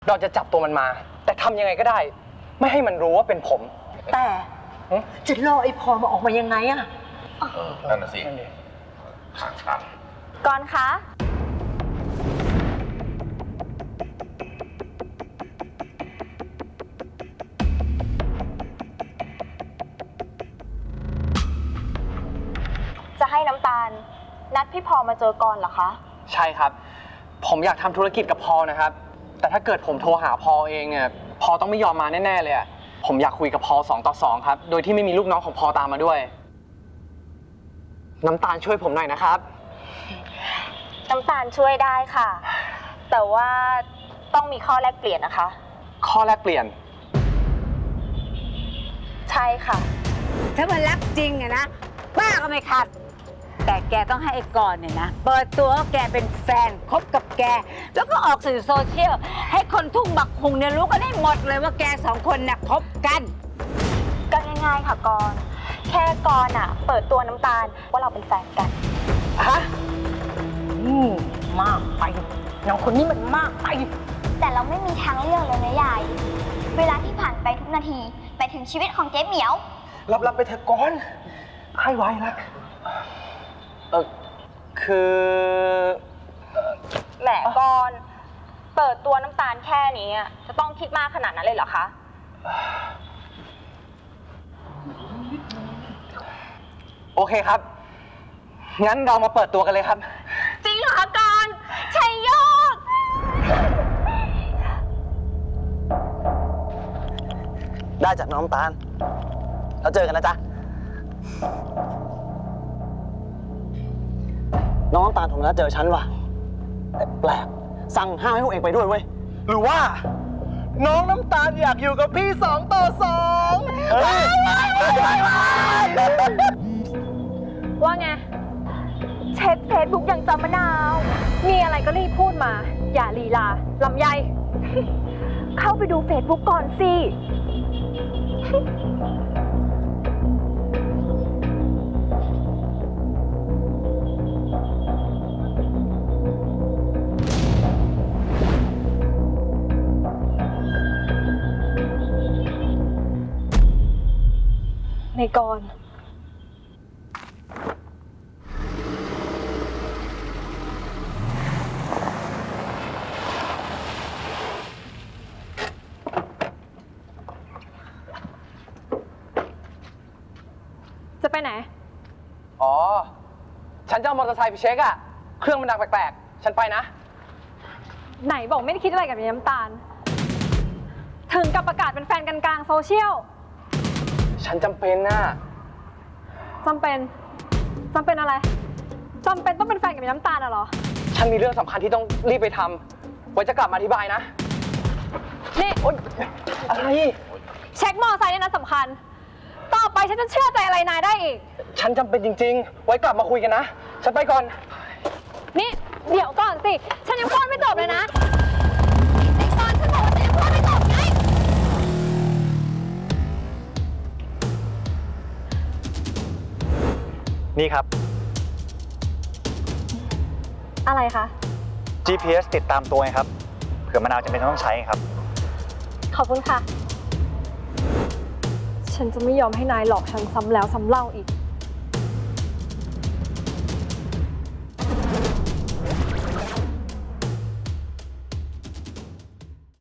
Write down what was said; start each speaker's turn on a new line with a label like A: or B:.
A: เราจะจับตัวมันมา แต่ทำยังไงก็ได้ ไม่ให้มันรู้ว่าเป็นผม
B: แต่จะล่อไอ้พอมาออกมายังไงอะ
C: นั่นน่ะสิทางชัน
D: ก่อนคะจะให้น้ำตาลนัดพี่พอมาเจอก่อนเหรอคะ
A: ใช่ครับ ผมอยากทำธุรกิจกับพอนะครับ แต่ถ้าเกิดผมโทรหาพอเองเนี่ยพอต้องไม่ยอมมาแน่ๆเลยอะผมอยากคุยกับพอ2 ต่อ 2ครับโดยที่ไม่มีลูกน้องของพอตามมาด้วยน้ำตาลช่วยผมหน่อยนะครับ
D: น้ำตาลช่วยได้ค่ะแต่ว่าต้องมีข้อแลกเปลี่ยนนะคะ
A: ข้อแลกเปลี่ยน
D: ใช่ค่ะ
B: ถ้ามันรักจริงอะนะป้าก็ไม่ขัดแต่แกต้องให้ไอ้กรณ์เนี่ยนะเปิดตัวว่าแกเป็นแฟนคบกับแกแล้วก็ออกสื่อโซเชียลให้คนทุ่งบักคุงเนี่ยรู้กันได้หมดเลยว่าแก2 คนน่ะคบกัน
D: ก็ง่ายๆค่ะกรณ์แค่กรณ์อะเปิดตัวน้ำตาลว่าเราเป็นแฟนกัน
A: ฮะ
B: มากไปน้องคนนี้มันมากไป
E: แต่เราไม่มีทางเลือกเลยนะยายเวลาที่ผ่านไปทุกนาทีไปถึงชีวิตของเจ๊เหมียว
A: รับไปเถอะก่อนให้ไว้ละคือ
D: แหมกรณ์เปิดตัวน้ำตาลแค่นี้จะต้องคิดมากขนาดนั้นเลยเหรอคะ
A: โอเคครับงั้นเรามาเปิดตัวกันเลยครับ
D: จริงเหรอคะกรณ์ชัยโยก
A: ได้จากน้องตาลแล้วเจอกันนะจ๊ะน้องน้ำตาลโทรมาแล้วเจอฉันว่ะแต่แปลกสั่งห้ามให้พวกเองไปด้วยเว้ยหรือว่าน้องน้ำตาลอยากอยู่กับพี่2 ต่อ 2
D: ว่าไงเช็คเฟซบุ๊กอย่างจำมะนาวมีอะไรก็รีบพูดมาอย่าลีลาลำไยเข้าไปดูเฟซบุ๊กก่อนสิในกรจะไปไหน
A: อ๋อฉันจะเอามอเตอร์ไซค์ไปเช็คอะเครื่องมันดังแปลกๆฉันไปนะ
D: ไหนบอกไม่ได้คิดอะไรกับน้ำตาลถึงกับประกาศเป็นแฟนกันกลางโซเชียล
A: ฉันจำเป็นน่ะ
D: จำเป็นอะไรจำเป็นต้องเป็นแฟนกับน้ำตาลเหรอ
A: ฉันมีเรื่องสำคัญที่ต้องรีบไปทำไว้จะกลับมาอธิบายนะ
D: นี่
A: อะไร
D: เช็คมอไซค์เนี่ยนะสำคัญต่อไปฉันจะเชื่อใจอะไรนายได้อีก
A: ฉันจำเป็นจริงๆไว้กลับมาคุยกันนะฉันไปก่อน
D: นี่เดี๋ยวก่อนสิฉันยังพูดไม่จบเลยนะไอ้ก่อนฉันบอกว่าฉันยังพูดไม่จบไง
F: นี่ครับ
D: อะไรคะ
F: GPS ติดตามตัวไงครับเผื่อมะนาวจำเป็นต้องใช้ครับ
D: ขอบคุณค่ะฉันจะไม่ยอมให้นายหลอกฉันซ้ำแล้วซ้ำเล่าอีก